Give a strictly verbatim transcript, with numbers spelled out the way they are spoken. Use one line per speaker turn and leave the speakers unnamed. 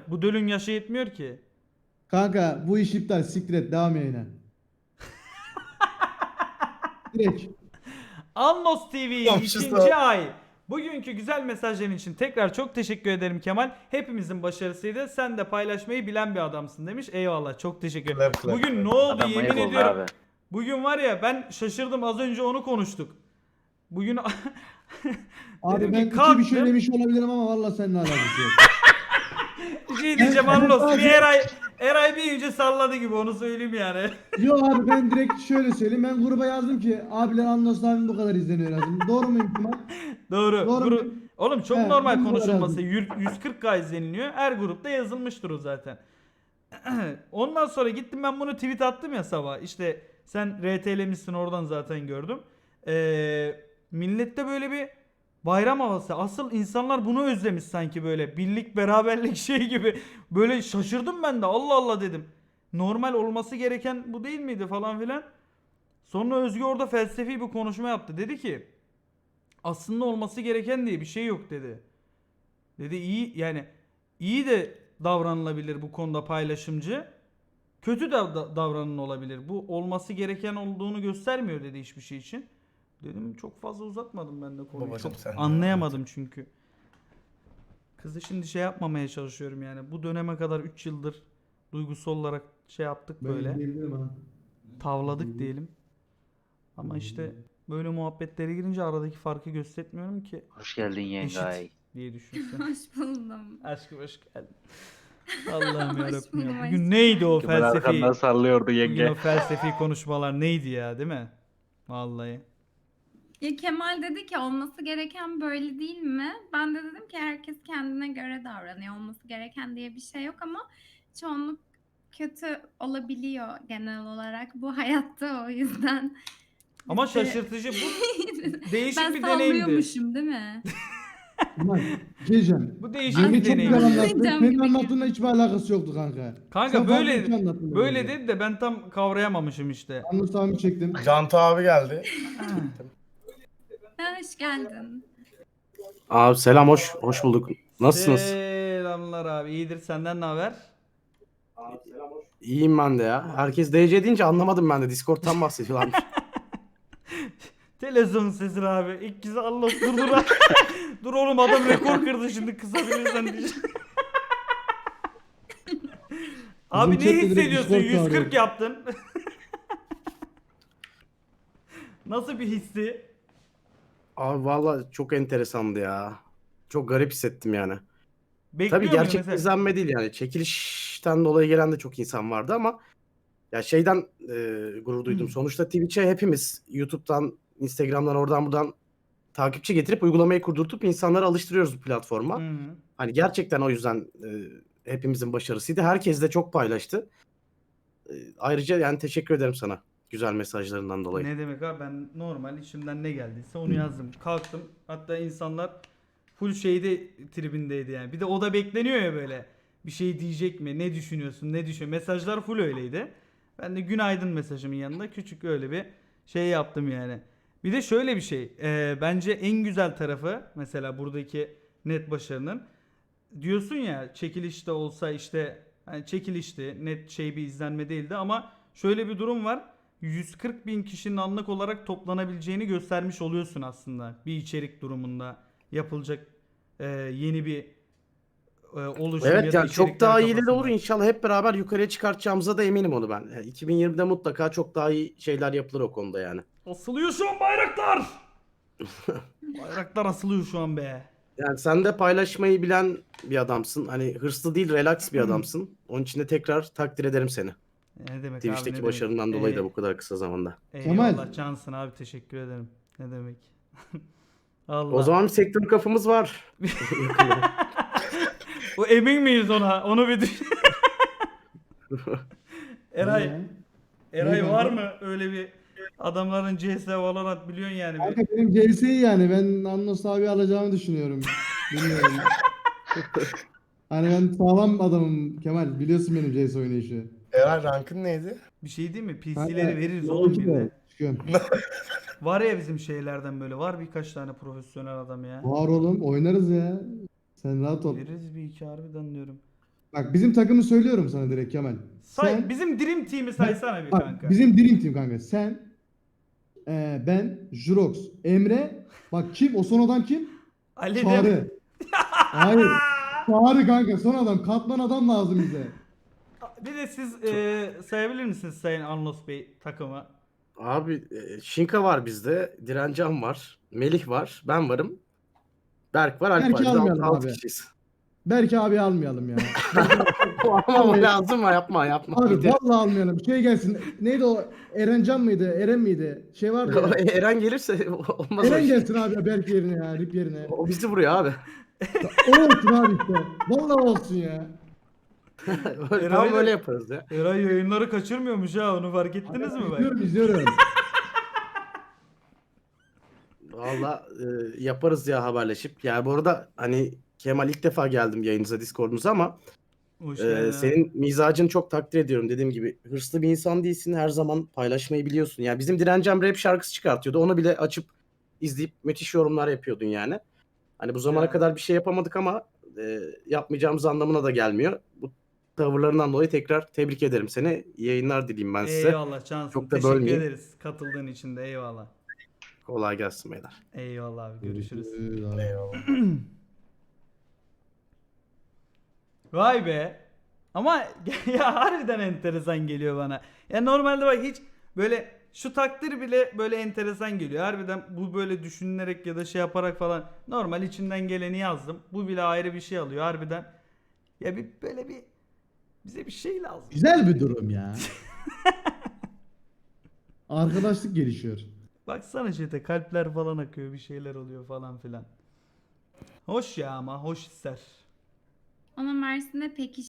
Bu dölün yaşı yetmiyor ki.
Kanka bu iş iptal. Siktir et. Devam yayına. Direkt.
Anlos T V'yi
Komşusu.
ikinci ay. Bugünkü güzel mesajların için tekrar çok teşekkür ederim Kemal. Hepimizin başarısıydı. Sen de paylaşmayı bilen bir adamsın demiş. Eyvallah, çok teşekkür ederim.
Clap, clap,
Bugün
clap.
ne oldu
Adam
yemin
manyak oldu
ediyorum.
abi.
Bugün var ya, ben şaşırdım, az önce onu konuştuk. Bugün
Abi
Dedim
ben
ki
iki bir
kalktım.
şey demiş olabilirim ama valla seninle alakası yok.
bir şey diyeceğim Anlos. Bir Eray, Eray bir ince salladı gibi, onu söyleyeyim yani.
Yo abi ben direkt şöyle söyleyeyim. Ben gruba yazdım ki abiler Anlos abim bu kadar izleniyor yazdım. Doğru mu Kemal?
Doğru.
Doğru
Gru-
mu?
Oğlum çok
He,
normal
bu kadar
konuşulması.
yazdım.
Yür- yüz kırk K izleniliyor. Her grupta yazılmıştır o zaten. Ondan sonra gittim ben bunu tweet attım ya sabah. İşte sen R T'lemişsin, oradan zaten gördüm. Ee, millette böyle bir bayram havası. Asıl insanlar bunu özlemiş sanki, böyle birlik beraberlik şey gibi. Böyle şaşırdım ben de, Allah Allah dedim. Normal olması gereken bu değil miydi falan filan. Sonra Özgü orada felsefi bir konuşma yaptı. Dedi ki aslında olması gereken diye bir şey yok dedi. Dedi iyi, yani iyi de davranılabilir bu konuda paylaşımcı. Kötü de da- davranın olabilir. Bu olması gereken olduğunu göstermiyor dedi hiçbir şey için. Dedim çok fazla uzatmadım ben de konuyu.
Babacım
Çok
sen de
anlayamadım çünkü. Kızı şimdi şey yapmamaya çalışıyorum yani. Bu döneme kadar üç yıldır duygusal olarak şey yaptık böyle.
Ben diyebilirim ha.
Tavladık diyelim. Ama işte böyle muhabbetlere girince aradaki farkı göstermiyorum ki.
Hoş geldin yengay.
Eşit diye düşünsün.
Hoş buldum.
Aşkım hoş geldin. Allah'ım
Hoş
yarabbim ya.
buldum
Bugün
aşkım.
neydi o
Kemal
felsefi?
arkandan sallıyordu
Bugün
yenge.
o felsefi konuşmalar neydi ya, değil mi? Vallahi.
Ya Kemal dedi ki olması gereken böyle değil mi? Ben de dedim ki herkes kendine göre davranıyor. Olması gereken diye bir şey yok ama çoğunluk kötü olabiliyor genel olarak bu hayatta, o yüzden.
Ama
biz de-
şaşırtıcı, bu değişik
ben
bir deneyimdi.
sallıyormuşum değil mi?
Kemal. Gecem.
Bu değişik
Yenge
bir
çok güzel
deneyimdi.
anlattı.
Cam
Senin
gibi
anlattığınla hiçbir alakası yoktu kanka.
Kanka
Sen
böyle
farklı bir şey anlattın
böyle
bence.
dedi de ben tam kavrayamamışım işte.
Anlos abimi çektim.
Cantu abi geldi.
Ha, hoş geldin.
Abi selam, hoş hoş bulduk. Nasılsınız?
Selamlar abi. İyidir, senden ne haber?
İyiyim ben de ya. Herkes D C deyince anlamadım ben de. Discord'tan bahsediyorlarmış.
Televizyon sesi abi. İlk kez Allah dur dur. Dur oğlum, adam rekor kırdı şimdi, kısabilirsen diyeceğim. Abi
Bizim
ne
chatte direkt
hissediyorsun?
Discord
yüz kırk
çağırıyor.
yaptın. Nasıl bir hissi?
Abi valla çok enteresandı ya. Çok garip hissettim yani.
Bekliyor
Tabii
muydun
gerçek
mesela?
izlenme değil yani. Çekilişten dolayı gelen de çok insan vardı ama ya şeyden e, gurur duydum. Sonuçta Twitch'e hepimiz YouTube'dan, Instagram'dan, oradan buradan takipçi getirip uygulamayı kurdurtup insanları alıştırıyoruz bu platforma.
Hı hı.
Hani gerçekten o yüzden e, hepimizin başarısıydı. Herkes de çok paylaştı. E, ayrıca yani teşekkür ederim sana güzel mesajlarından dolayı.
Ne demek abi, ben normal içimden ne geldiyse onu yazdım. Kalktım, hatta insanlar full şeyde tribindeydi yani. Bir de o da bekleniyor ya böyle. Bir şey diyecek mi? Ne düşünüyorsun? Ne düşün? Mesajlar full öyleydi. Ben de günaydın mesajımın yanında küçük öyle bir şey yaptım yani. Bir de şöyle bir şey. e, bence en güzel tarafı mesela buradaki net başarının, diyorsun ya çekilişte olsa işte, hani çekilişti, net şey bir izlenme değildi ama şöyle bir durum var. yüz kırk bin kişinin anlık olarak toplanabileceğini göstermiş oluyorsun aslında. Bir içerik durumunda yapılacak e, yeni bir e, oluşum ya
Evet
da
yani çok
içerikler
daha iyileri
kafasında.
olur inşallah, hep beraber yukarıya çıkartacağımıza da eminim onu ben. Yani iki bin yirmide mutlaka çok daha iyi şeyler yapılır o konuda yani.
Asılıyor şu an bayraklar. Bayraklar asılıyor şu an be.
Yani sen de paylaşmayı bilen bir adamsın. Hani hırslı değil, relax bir adamsın. Onun için de tekrar takdir ederim seni.
Ne demek abi,
Twitch'teki
ne
başarından
demek.
dolayı
Ee,
da bu kadar kısa zamanda.
Kemal.
Eyvallah cansın abi, teşekkür ederim. Ne demek. Allah.
O zaman bir sektör kafamız var. Yakında.
O emin miyiz ona? Onu bir düşün. Eray,
Ya.
Eray
Ne
var
kanka?
mı öyle bir adamların C S Valorant biliyorsun yani.
Kanka
Bir.
benim C S'yi yani ben Anlos abi alacağımı düşünüyorum. Bilmiyorum. Hani ben sağlam adamım Kemal. Biliyorsun benim C S oynayışı.
Eray rankın neydi?
Bir şey değil mi?
Kanka,
P C'leri veririz oğlum
yolcu
bir
da
de.
çıkıyorum.
Var ya bizim şeylerden böyle. Var birkaç tane profesyonel adam ya.
Var oğlum oynarız ya. Sen rahat ol.
Veririz bir iki harbiden diyorum.
Bak bizim takımı söylüyorum sana direkt Kemal.
Say,
Sen,
bizim Dream Team'i saysana bir
bak,
kanka.
bizim Dream Team kanka. Sen, e, ben, Jurox, Emre. Bak kim? O son adam kim?
Ali de-
Çağrı. Hayır. Çağrı kanka son adam. Katman adam lazım bize.
Bir de siz e, sayabilir misiniz Sayın Anlos Bey takımı?
Abi e, Şinka var bizde. Direncan var. Melih var. Ben varım. Berk var. Alp
Berk'i
var. Biz altı,
almayalım
altı
abi.
kişiyiz.
Belki abi almayalım ya.
Ama o lazım mı? Yapma yapma.
Abi
Gidelim.
vallahi almayalım. Şey gelsin. Neydi o? Erencan mıydı? Eren miydi? Şey vardı ya.
Eren gelirse olmaz o
Eren
iş.
gelsin abi Berk yerine ya. Rip yerine.
O bizi vuruyor abi.
O olsun abi işte. Vallahi olsun ya.
Eray
Tam
da-
böyle yaparız ya.
Eray yayınları kaçırmıyormuş ha, onu fark ettiniz mi bak?
İzliyorum izliyorum.
Valla e, yaparız ya haberleşip. Yani bu arada hani Kemal ilk defa geldim yayınıza, Discord'unuza ama
Hoş
e,
geldin.
senin mizacını çok takdir ediyorum. Dediğim gibi hırslı bir insan değilsin. Her zaman paylaşmayı biliyorsun. Yani bizim Direncem rap şarkısı çıkartıyordu. Onu bile açıp izleyip müthiş yorumlar yapıyordun yani. Hani bu zamana
Ya.
kadar bir şey yapamadık ama e, yapmayacağımız anlamına da gelmiyor. Bu tavırlarından dolayı tekrar tebrik ederim seni. İyi yayınlar dileyim ben size.
Eyvallah Cansın.
Çok da
Teşekkür
bölmeyeyim.
ederiz katıldığın için de, eyvallah.
Kolay gelsin beyler.
Eyvallah abi, görüşürüz.
Eyvallah.
Vay be. Ama ya harbiden enteresan geliyor bana. Ya normalde bak hiç böyle şu takdir bile böyle enteresan geliyor. Harbiden bu böyle düşünülerek ya da şey yaparak falan normal içimden geleni yazdım. Bu bile ayrı bir şey alıyor harbiden. Ya bir böyle bir bize bir şey lazım.
Güzel bir durum ya. Arkadaşlık gelişiyor.
Baksana chat'e kalpler falan akıyor, bir şeyler oluyor falan filan. Hoş ya, ama hoş ister.
Ona Mersin'de pekiştirme